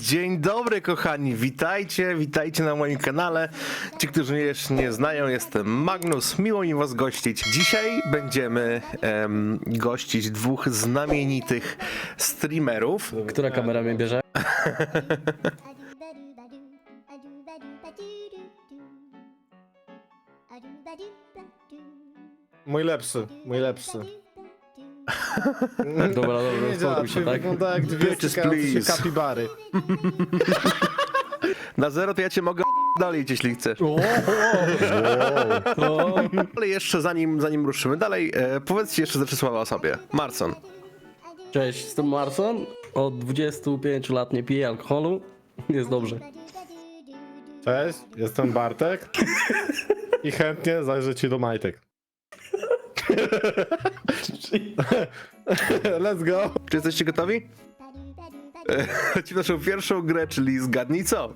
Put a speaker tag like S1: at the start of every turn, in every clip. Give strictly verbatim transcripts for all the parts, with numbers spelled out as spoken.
S1: Dzień dobry kochani, witajcie, witajcie na moim kanale. Ci, którzy mnie jeszcze nie znają, jestem Magnus, miło mi was gościć. Dzisiaj będziemy em, gościć dwóch znamienitych streamerów.
S2: Która kamera mnie bierze?
S3: Mój lepszy, mój lepszy.
S2: Dobra, dobra,
S3: Nie działa,
S2: spokój się,
S3: czyli
S2: tak?
S3: wygląda jak dwie
S1: Bitches,
S3: stykające się
S1: please.
S3: kapibary.
S1: Na zero to ja cię mogę dolić, jeśli chcesz.
S2: O,
S1: Ale jeszcze zanim, zanim ruszymy dalej, e, powiedzcie jeszcze ze trzy słowa o sobie. Marson.
S2: Cześć, jestem Marson. Od dwudziestu pięciu lat nie piję alkoholu. Jest dobrze.
S3: Cześć, jestem Bartek i chętnie zajrzę ci do majtek. Let's go!
S1: Czy jesteście gotowi? E, Ci naszą pierwszą grę, czyli zgadnij co?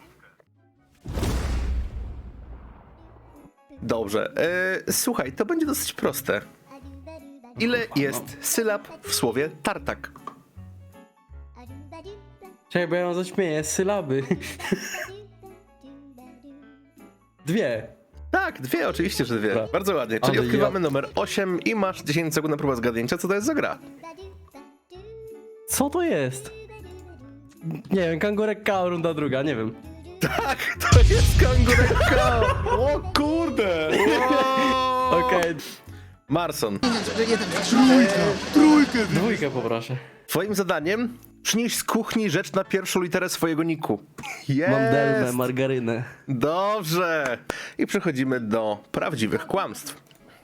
S1: Dobrze. E, słuchaj, to będzie dosyć proste. Ile jest sylab w słowie tartak?
S2: Czekaj, bo ja ją zaśmieję. Sylaby. Dwie.
S1: Tak, dwie, oczywiście, że dwie.
S2: Dobra.
S1: Bardzo ładnie. Czyli
S2: Ale
S1: odkrywamy
S2: ja-
S1: numer osiem i masz dziesięć sekund na próbę zgadnięcia, co to jest za gra.
S2: Co to jest? Nie wiem, kangurek K, runda druga, nie wiem.
S1: Tak, to jest kangurek.
S3: O kurde!
S1: Wow.
S2: Okej,
S1: Marson,
S2: dwójkę poproszę.
S1: twoim zadaniem przynieś z kuchni rzecz na pierwszą literę swojego niku. Jest!
S2: Mam delmę, margarynę.
S1: Dobrze! I przechodzimy do prawdziwych kłamstw.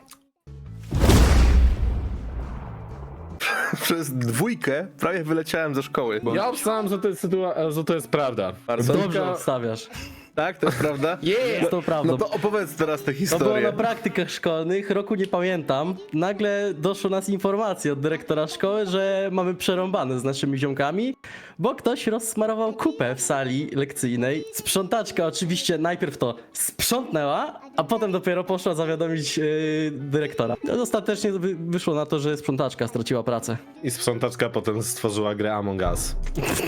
S1: Przez dwójkę prawie wyleciałem ze szkoły.
S3: Ja obstałem, że to jest, sytua- że to jest prawda.
S1: Bardzo
S2: Dobrze obstawiasz.
S1: Tak, to jest prawda?
S2: Jest to prawda.
S1: No to opowiedz teraz tę
S2: To było
S1: historię.
S2: na praktykach szkolnych, roku nie pamiętam. Nagle doszło nas informacja od dyrektora szkoły, że mamy przerąbane z naszymi ziomkami, bo ktoś rozsmarował kupę w sali lekcyjnej. Sprzątaczka oczywiście najpierw to sprzątnęła, a potem dopiero poszła zawiadomić yy, dyrektora. No, ostatecznie wy- wyszło na to, że sprzątaczka straciła pracę.
S3: I sprzątaczka potem stworzyła grę Among Us.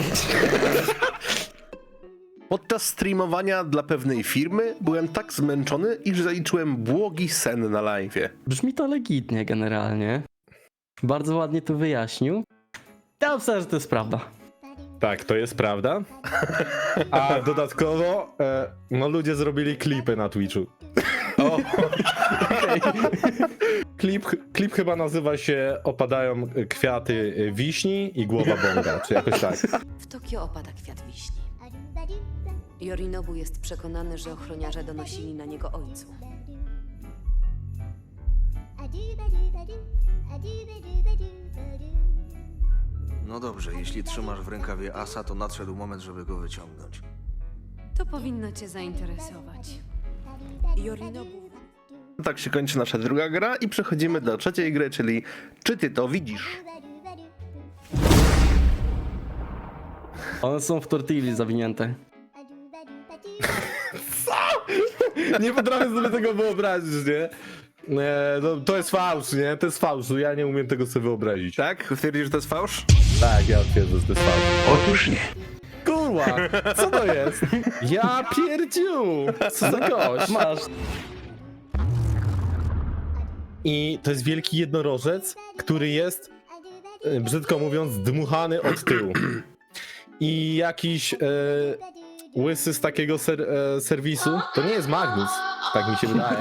S1: Podczas streamowania dla pewnej firmy byłem tak zmęczony, iż zaliczyłem błogi sen na live'ie.
S2: Brzmi to legitnie generalnie. Bardzo ładnie to wyjaśnił. Ja myślę, że to jest prawda.
S3: Tak, to jest prawda. A dodatkowo, e, no ludzie zrobili klipy na Twitchu.
S1: O,
S3: Klip, klip chyba nazywa się Opadają kwiaty wiśni i głowa bonga, czy jakoś tak.
S4: W Tokio opada kwiat wiśni. Yorinobu jest przekonany, że ochroniarze donosili na niego ojcu.
S5: No dobrze, jeśli trzymasz w rękawie asa, to nadszedł moment, żeby go wyciągnąć.
S4: To powinno cię zainteresować. Yorinobu...
S1: tak się kończy nasza druga gra i przechodzimy do trzeciej gry, czyli czy ty to widzisz?
S2: One są w tortilli zawinięte.
S3: Nie potrafię sobie tego wyobrazić, nie? Nie, no, to jest fałsz, nie? To jest fałsz, ja nie umiem tego sobie wyobrazić.
S1: Tak? Twierdzisz, że to jest fałsz?
S3: Tak, ja twierdzę, że to jest fałsz.
S5: Otóż nie.
S3: Kurwa, co to jest? Ja pierdziu! Co za gość?
S2: Masz.
S3: I to jest wielki jednorożec, który jest, e, brzydko mówiąc, dmuchany od tyłu. I jakiś e, łysy z takiego ser, e, serwisu, to nie jest Magnus, tak mi się wydaje.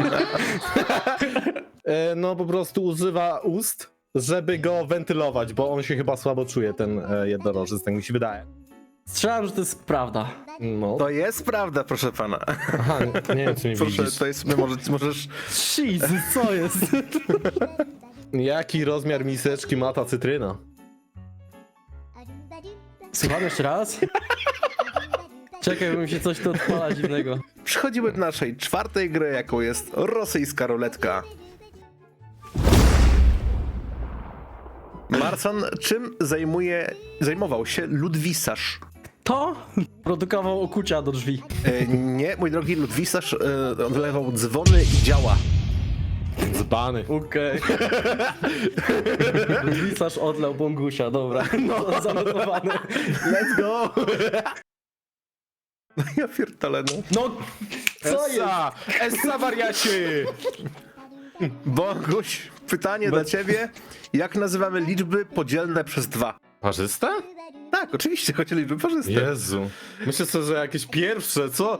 S3: e, no po prostu używa ust, żeby go wentylować, bo on się chyba słabo czuje, ten e, jednorożec, tak mi się wydaje.
S2: Strzelam, że to jest prawda.
S3: No.
S1: To jest prawda, proszę pana.
S3: Aha, nie, nie wiem, czy mnie
S1: Proszę,
S3: widzisz.
S1: to jest, może, możesz...
S2: Jesus, co jest?
S3: Jaki rozmiar miseczki ma ta cytryna?
S2: Słucham jeszcze raz? Czekaj, bo mi się coś tu odpala dziwnego.
S1: Przechodzimy do naszej czwartej gry, jaką jest rosyjska ruletka. Marson, czym zajmuje, zajmował się ludwisarz?
S2: To produkował okucia do drzwi.
S1: E, nie, mój drogi, ludwisarz e, odlewał dzwony i działa.
S3: Dzbany.
S2: Okej. Wisarz odlał Bongusia, dobra. No, zanotowane.
S1: Let's go! Ja pierdolę, no.
S2: No, co jest?
S3: Essa! Essa wariacie!
S1: Boguś, pytanie dla ciebie. Jak nazywamy liczby podzielne przez dwa?
S3: Parzysta?
S1: Tak, oczywiście, chodzi o liczby parzyste.
S3: Jezu. Myślę sobie, że jakieś pierwsze, co?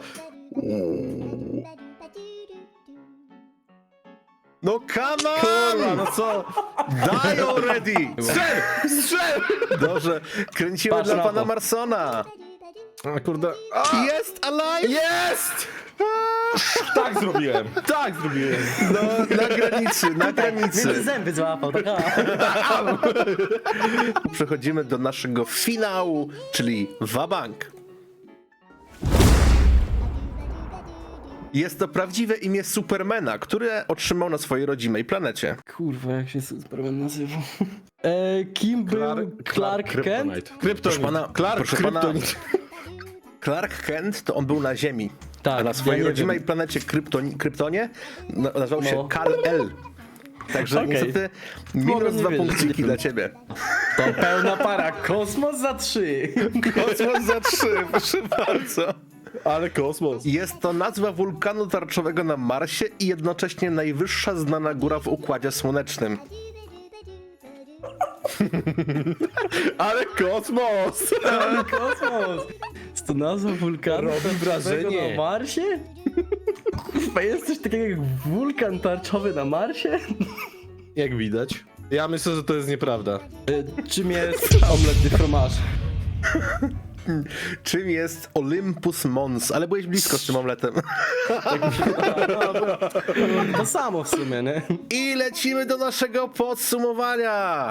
S1: No come
S3: Kurwa,
S1: on!
S3: no co?
S1: Die already!
S3: Strzel! Strzel!
S1: Dobrze, kręcimy
S2: Patrz
S1: dla
S2: na
S1: pana
S2: to.
S1: Marsona.
S3: A kurde. A,
S1: Jest alive!
S3: jest! Tak zrobiłem, tak zrobiłem.
S1: No, na granicy, na
S2: Między
S1: granicy.
S2: zęby złapał, tak? A.
S1: Przechodzimy do naszego finału, czyli Wabank. Jest to prawdziwe imię Supermana, które otrzymał na swojej rodzimej planecie.
S2: Kurwa, jak się Superman nazywał? E, kim był Clark, Kent?
S3: Kryptonite.
S1: Proszę
S3: Kryptonite.
S1: pana,
S3: Clark
S1: proszę pana,
S3: Kryptonite.
S1: Clark Kent to on był na Ziemi,
S2: Tak,
S1: a na swojej
S2: ja nie
S1: rodzimej
S2: wiem.
S1: planecie Kryptoni, Kryptonie na- nazywał się
S2: No.
S1: Kal-El. Także
S2: Okej.
S1: niestety
S2: Mogłem
S1: minus
S2: nie
S1: dwa
S2: wiedzieć.
S1: punkciki dla ciebie.
S2: To pełna para, kosmos za trzy.
S1: Kosmos za trzy, proszę bardzo.
S3: Ale kosmos.
S1: Jest to nazwa wulkanu tarczowego na Marsie i jednocześnie najwyższa znana góra w Układzie Słonecznym.
S3: Ale kosmos!
S2: Kosmos! Jest to nazwa wulkanu
S3: Robi
S2: tarczowego
S3: wrażenie.
S2: na Marsie? Kurwa, jest coś takiego jak wulkan tarczowy na Marsie?
S3: Jak widać. Ja myślę, że to jest nieprawda.
S2: E, czym jest omlet de fromage?
S1: Czym jest Olympus Mons? Ale byłeś blisko z tym omletem.
S2: To samo w sumie, nie?
S1: I lecimy do naszego podsumowania.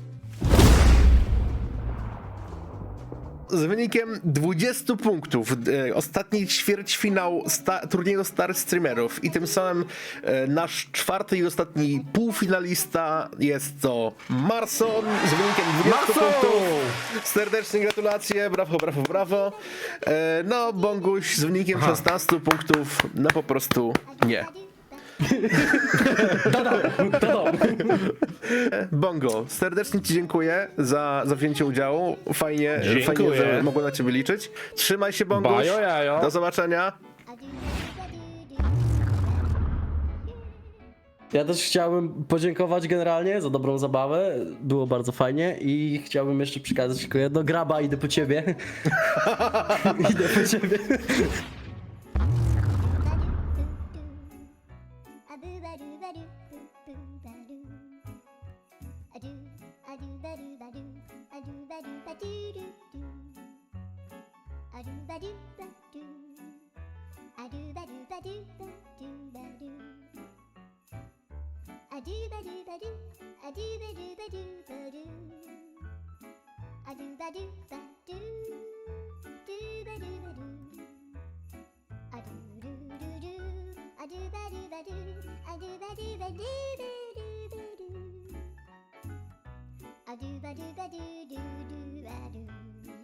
S1: Z wynikiem dwudziestu punktów e, ostatni ćwierćfinał sta- turnieju Star Streamerów i tym samym e, nasz czwarty i ostatni półfinalista jest to Marson z wynikiem dwudziestu
S3: Marson!
S1: punktów. Serdecznie gratulacje, brawo, brawo, brawo. E, no, Bonguś z wynikiem szesnastu punktów, no po prostu nie. Bongo, serdecznie ci dziękuję za, za wzięcie udziału. Fajnie,
S3: Dziękuję.
S1: fajnie, że mogłem na ciebie liczyć. Trzymaj się, Bonguś.
S3: Bajo jajo.
S1: Do zobaczenia.
S2: Ja też chciałbym podziękować generalnie za dobrą zabawę. Było bardzo fajnie i chciałbym jeszcze przekazać tylko jedno. Graba, idę po ciebie. Idę po ciebie.
S6: A do ba do ba do do do a do.